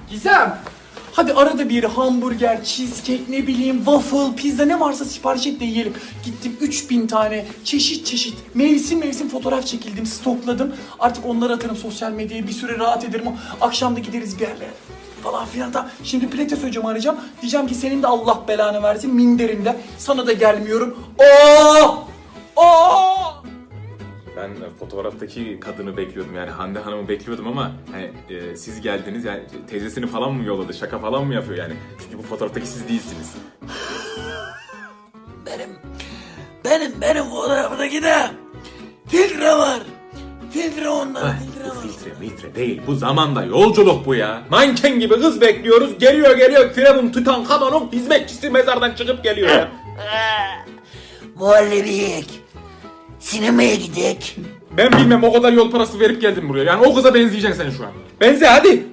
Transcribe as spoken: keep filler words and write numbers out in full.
Gizem. Hadi arada bir hamburger, cheesecake, ne bileyim waffle, pizza ne varsa sipariş et de yiyelim. Gittim üç bin tane çeşit çeşit mevsim mevsim fotoğraf çekildim, stokladım. Artık onları atarım sosyal medyaya, bir süre rahat ederim. Akşam da gideriz bir yerlere falan filan da. Şimdi Pilates hocamı arayacağım. Diyeceğim ki senin de Allah belanı versin minderinde. Sana da gelmiyorum. Oo! Oo! Ben fotoğraftaki kadını bekliyordum, yani Hande Hanım'ı bekliyordum ama hani, e, siz geldiniz, yani teyzesini falan mı yolladı, şaka falan mı yapıyor yani? Çünkü bu fotoğraftaki siz değilsiniz. Benim, benim, benim fotoğrafımdaki de filtre var. Filtre ondan, Ay, filtre bu var. filtre mitre değil, bu zamanda yolculuk bu ya. Manken gibi kız bekliyoruz, geliyor geliyor Firavun Tutankhamun'un hizmetçisi mezardan çıkıp geliyor ya. Muhallebi yiyek. Sinemaya gidek. Ben bilmem, o kadar yol parası verip geldim buraya, yani o kıza benzeyeceksin sen şu an. Benze hadi.